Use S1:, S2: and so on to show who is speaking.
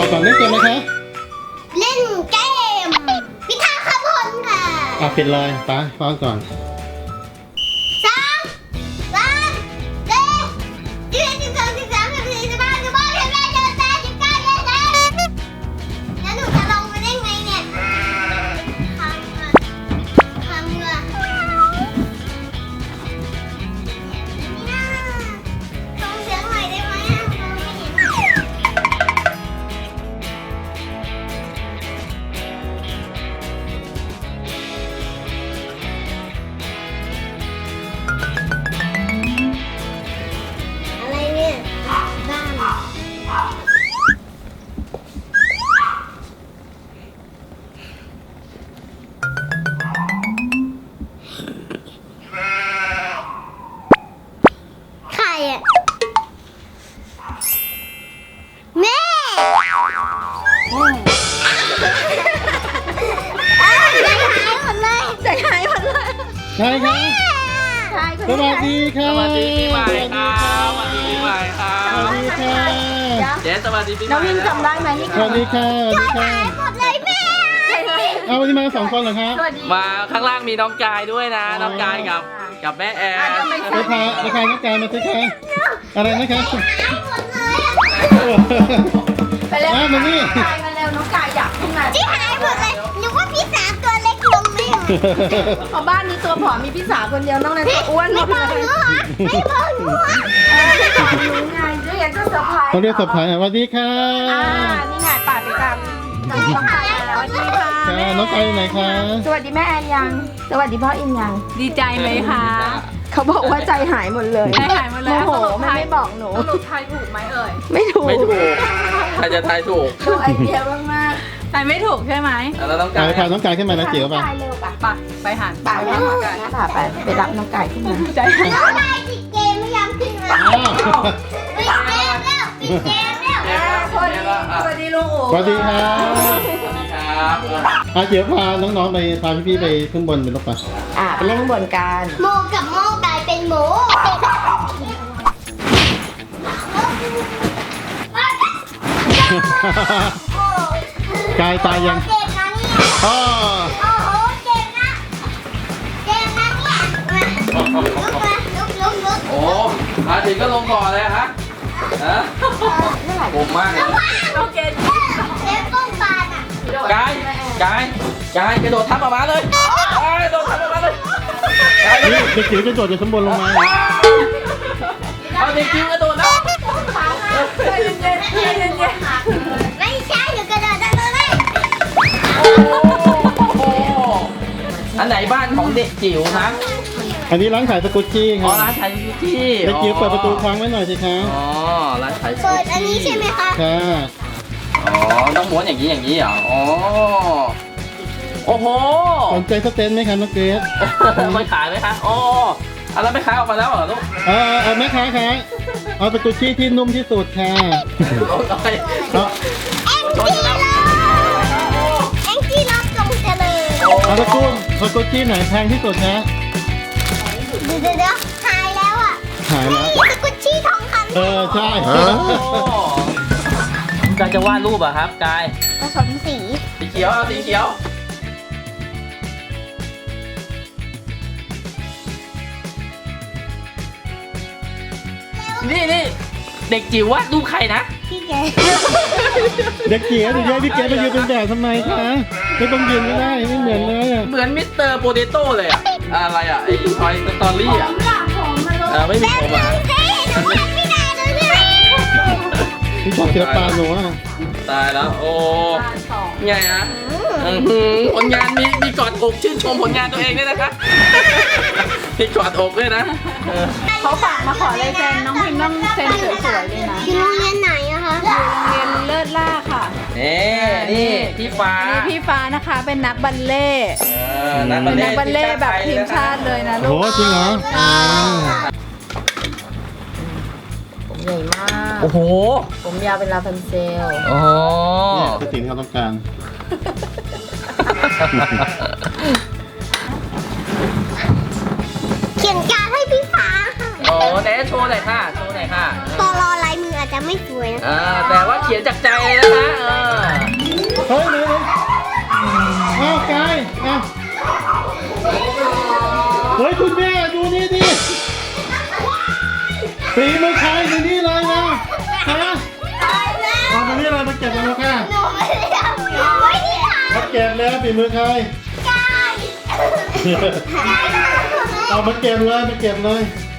S1: บอกก่อนเล่นเกมไหมคะ
S2: เล่นเกมพิทักษ์ขบวนค่ะ
S1: ปิดเลยไปฟังก่อน ใช่ครับสวัสดีค่ะ
S3: สวัสดีปีใหม่ครับสวัสดีปีใหม่ครั
S1: สวัส
S3: บ
S1: ดีค่ะ
S3: เจ๊สวัสดีปีใหม่
S4: น้องวินจำได้ไหมนี่
S1: สวัสดีค่ะสวัสดีค่ะ
S2: หมดเลยแม่
S1: เอาวันนี้มาสองคนเหรอครับ
S4: สวัสดี
S3: มาข้างล่างมีน้องกายด้วยนะ น้องกายกับแม่แอน
S1: ไปพาน้องกายมาสิคะอะไรนะครับ
S2: หมดเลยอะ
S4: ไปเร็ว
S1: มานี่
S4: น้องกายมาเร็วน้องกายอยากขึ้นมา
S2: ที่หายหมดเลยนึกว่าพี่สาวตัวเล็กลงไม่หรอ
S4: เพราะบ้านนี้ตัวผอมมีพี่สาวคนเดียวนอกนั้นตัวอ้วนหม
S2: ไม่
S4: ด
S2: บอก
S4: เล
S2: ห
S4: ย
S2: นูเหรอไม่บอกหนูเหรอ
S4: ไม่บอกหนูไงด้วยอยากจะเซอร์ไพรส์
S1: เขาเรียกสับผายสวัสดีค่ะ
S4: นี่ไงป่าไปตามน้องกายแล้วสวัสดีค่ะ
S1: ค่ะน้องกายอยู่ไหนคะ
S4: สวัสดีแม่แอนยัง สวัสดีพ่ออินยัง
S5: ดีใจไหมคะ
S4: เขาบอกว่าใจหายหมดเลย
S5: ใจหายหมดเลย
S4: โมโหไม่บอกหนู
S5: สรุปทายถูกไหมเอ่ย
S4: ไม่ถูก
S3: ไม่ถูกใครจะทายถูก
S4: ดูไอเดียมาก
S5: ทายไม่ถูกใช่ไหม
S3: แล้วน้อง
S1: กาก
S3: าย ย
S1: พาน้องกายขึ้นมา
S4: ๆ
S1: นะเจี๋ยวป่ะ
S4: น้องกายเร็วป่ะ
S5: ไปไปหัน
S4: ป่าไปน้องกายป่าไปรับน้องกายขึ้นมา
S5: ใจหาย
S2: เราได้ปิดเกมไม่ยอมขึ้นมา
S1: อ้าว
S2: ปิดเกมแล้วปิดเกมแล้ว
S4: สวัสดีลุงโอ๋
S1: สวัสดีครับ
S3: ครับ
S1: เจี๋ยวพาน้องๆไปพาพี่ๆไปขึ้นบนเป็นรถป่ะ
S4: ไปเล่นข้างบนกัน
S2: โมกับโมกลายเป็นหมู
S1: กายตายยัง
S2: เก่งนะเนี่ย
S1: อ๋อ
S2: โอ้โหเก่งนะเก่งนะเนี่ยมาลุกมาลุก
S3: โอ้มาถึงก็ลงก่อนเลยฮะฮะผมมากเลย
S5: โอเค
S2: เล็บต้นปานอ่ะ
S3: กายกระโดดทับออกมาเลยกระโดดทับออกมาเลยกาย
S1: นี่เด็กจิ๋วจะโดดจากข้างบนลงมา
S3: เอาเด็กจิ๋วกระโดดแล้ว
S5: ใจเย็นๆใจเย็น
S2: ไม่ใช่หนูกระโดดได้เลย
S3: โอ้อันไหนบ้านของเด็กจิ๋วนะ
S1: อันนี้ร้านขายสกุตชี่ค
S3: อ๋อ
S1: รับ
S3: ร้านขายซูชิ
S1: เด็กจิ๋วเปิดประตูค้างไว้หน่อยสิคะ
S3: อ๋อร้านขายซูชิ
S2: เปิดอันนี้ใช่ไหมคะ
S1: ค่ะ
S3: อ๋อต้องม้วนอย่างนี้เหรออ๋อโอ้โห
S1: สนใจสเตนไหมคะน้องเกรซ
S3: ไม่ขายไหมคะอ๋ออันนั้นไม่ขายออกมาแล้วเหรอลูก
S1: เอาแม่ค้าคะเอาสกุตชี่ที่นุ่มที่สุดค่ะ
S3: เอาไป
S1: เอา
S2: แองจี้รอแองจี้รอจงเจริญ
S1: เอาสกุตชี่ไหนแพงที่สุดนะ
S2: เดี๋ยวหายแล้วอ่ะ
S1: หายแล้ว
S2: นี่สกุชชี่ทองคำ
S1: ใช่
S3: โอ้กายจะวาดรูปอะครับกาย
S2: ผสมสี
S3: สีเขียวเอาสีเขียว นี่เด็กจิ๋ววาดรูปใครนะ
S2: พี่แก
S1: เด็กเกี๋ยวเดี๋ยวให้พี่เกรซไปยืนเป็นแบบทำไมคะไม่ต้องยืนก็ได้ไม่เหมือนเลยอะ
S3: เหมือนมิสเตอร์โปเตโต้เลยอะอะไรอะไอ้ทอยสตอรี่อะไม่มีผมอะ
S2: เฮ้ยหนูทำไม่ได้เลยเนี่ย
S1: พี่ชอบศิลปะหนูอะ
S3: ตายแล้วโอ้ไงอะผลงานมีกอดอกชื่นชมผลงานตัวเองด้วยนะคะมีกอดอกด้วยนะ
S5: เขาฝากมาขอลายเซ็นน้องพิมพ์ต้องเซ็นสวยๆเลยนะ
S2: อยู่โรงเรียนไหนอะคะ
S5: โรงเรียนเลิศล่าค่ะ
S3: นี่พี่ฟ้า
S5: นี่พี่ฟ้านะคะเป็นนักบัลเล่ต์
S3: นัก
S5: เป็นนักบัลเล่ต์แบบทีมชาติเลยนะ
S1: โอ้
S5: ลู
S1: โห
S5: ก
S1: จริงเหรอ
S4: ผมใหญ่มาก
S3: โอ้โห
S4: ผมยาวเป็นลาพันเซล
S3: โอ้โห
S1: เนี่ยคือสิ่งที่เราต้องการ
S2: เขียนการดให้พี่ฟ้าค่ะ
S3: โอ้ไหนโชว์หน่อยค่ะโชว์หน่อยค่ะ
S2: ตอรอลายมืออาจจะไม่สวยนะ
S3: แต่ว่าเขียนจากใจเลยนะคะ
S1: เฮ้ยไหนอ้าวกายอ้าวเฮ้ยคุณแม่ดูนี่ดิฝีมือใครดูนี่เลยนะฮะเอามานี่เลยมาเก็บกันแล้วค่ะ
S2: หนูไม่ได้ทำหนูไม่ได้ท
S1: มาเก็บแล้วฝีมือใคร
S2: ำกาย
S1: เอามาเก็บเลยมาเก็บเลย
S2: ก